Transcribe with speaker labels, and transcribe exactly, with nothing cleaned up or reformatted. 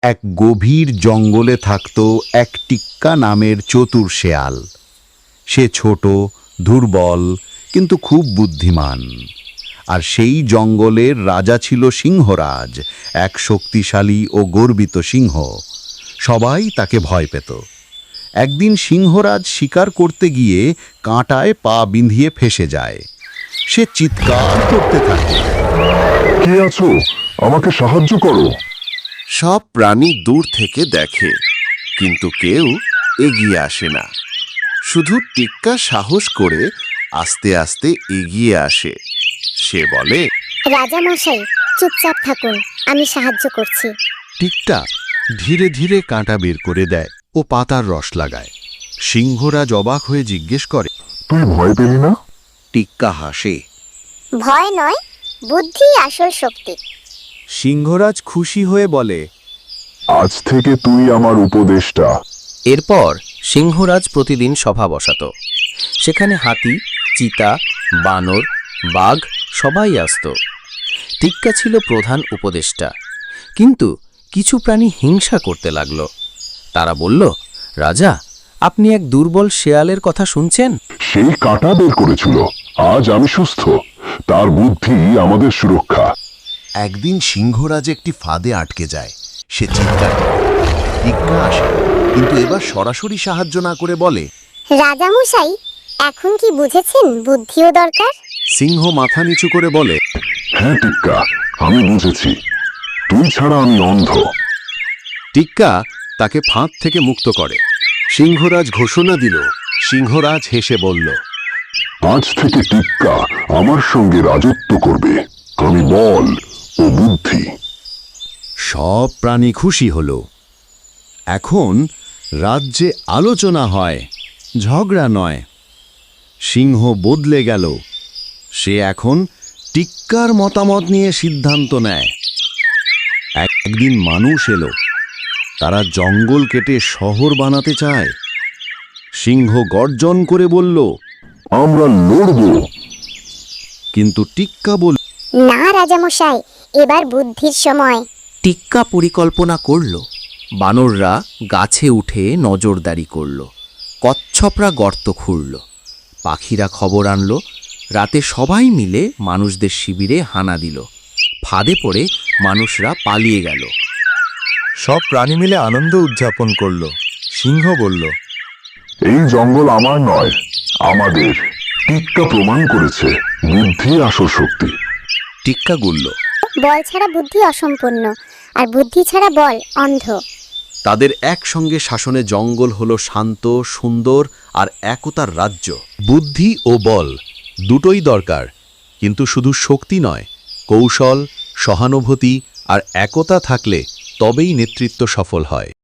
Speaker 1: এক গভীর জঙ্গলে থাকত এক টিক্কা নামের চতুর শেয়াল। সে ছোট, দুর্বল, কিন্তু খুব বুদ্ধিমান। আর সেই জঙ্গলের রাজা ছিল সিংহরাজ, এক শক্তিশালী ও গর্বিত সিংহ। সবাই তাকে ভয় পেত। একদিন সিংহরাজ শিকার করতে গিয়ে কাঁটায় পা বিঁধিয়ে ফেসে যায়। সে চিৎকার করতে থাকে,
Speaker 2: কে আছো? আমাকে সাহায্য করো।
Speaker 3: সব প্রাণী দূর থেকে দেখে, কিন্তু কেউ এগিয়ে আসে না। শুধু টিক্কা সাহস করে আস্তে আস্তে এগিয়ে আসে। সে বলে,
Speaker 4: রাজা মশাই, চুপচাপ থাকুন, আমি সাহায্য করছি।
Speaker 1: টিক্কা ধীরে ধীরে কাঁটা বের করে দেয় ও পাতার রস লাগায়। সিংহরাজ অবাক হয়ে জিজ্ঞেস করে,
Speaker 2: তুই ভয় পেলি না?
Speaker 1: টিক্কা হাসে।
Speaker 4: ভয় নয়, বুদ্ধি আসল শক্তি।
Speaker 1: সিংহরাজ খুশি হয়ে বলে,
Speaker 2: আজ থেকে তুই আমার উপদেষ্টা।
Speaker 5: এরপর সিংহরাজ প্রতিদিন সভা বসাত। সেখানে হাতি, চিতা, বানর, বাঘ সবাই আসত। টিক্কা ছিল প্রধান উপদেষ্টা, কিন্তু কিছু প্রাণী হিংসা করতে লাগল। তারা বলল, রাজা, আপনি এক দুর্বল শেয়ালের কথা শুনছেন?
Speaker 2: সেই কাঁটা বের করেছিল, আজ আমি সুস্থ। তার বুদ্ধি আমাদের সুরক্ষা।
Speaker 3: একদিন সিংহরাজ একটি ফাঁদে আটকে যায়। সে চিৎকার করে। টিক্কা আসে, কিন্তু এবার সরাসরি সাহায্য না করে বলে,
Speaker 4: রাজা মশাই, এখন কি বুঝেছেন বুদ্ধিও দরকার?
Speaker 3: সিংহ মাথা নিচু করে বলে,
Speaker 2: হ্যাঁ টিক্কা, আমি বুঝেছি। তুই ছাড়া আমি অন্ধ।
Speaker 1: টিক্কা তাকে ফাঁদ থেকে মুক্ত করে। সিংহরাজ ঘোষণা দিল। সিংহরাজ হেসে বলল,
Speaker 2: আজ থেকে টিক্কা আমার সঙ্গে রাজত্ব করবে। আমি বল ও বুদ্ধি।
Speaker 1: সব প্রাণী খুশি হল। এখন রাজ্যে আলোচনা হয়, ঝগড়া নয়। সিংহ বদলে গেল। সে এখন টিক্কার মতামত নিয়ে সিদ্ধান্ত নেয়। একদিন মানুষ এলো। তারা জঙ্গল কেটে শহর বানাতে চায়। সিংহ গর্জন করে বলল,
Speaker 2: আমরা লড়ব।
Speaker 1: কিন্তু টিক্কা বলল,
Speaker 4: না রাজা মশাই, এবার বুদ্ধির সময়।
Speaker 5: টিক্কা পরিকল্পনা করল। বানররা গাছে উঠে নজরদারি করল। কচ্ছপরা গর্ত খুঁড়ল। পাখিরা খবর আনল। রাতে সবাই মিলে মানুষদের শিবিরে হানা দিল। ফাঁদে পড়ে মানুষরা পালিয়ে গেল।
Speaker 6: সব প্রাণী মিলে আনন্দ উদযাপন করল। সিংহ বলল,
Speaker 2: এই জঙ্গল আমার নয়, আমাদের। টিক্কা প্রমাণ করেছে বুদ্ধি আসল শক্তি।
Speaker 1: টিক্কা গুলল।
Speaker 4: বল ছাড়া বুদ্ধি অসম্পূর্ণ, আর বুদ্ধি ছাড়া বল অন্ধ।
Speaker 1: তাদের একসঙ্গে শাসনে জঙ্গল হলো শান্ত, সুন্দর আর একতার রাজ্য। বুদ্ধি ও বল দুটোই দরকার, কিন্তু শুধু শক্তি নয়, কৌশল, সহানুভূতি আর একতা থাকলে তবেই নেতৃত্ব সফল হয়।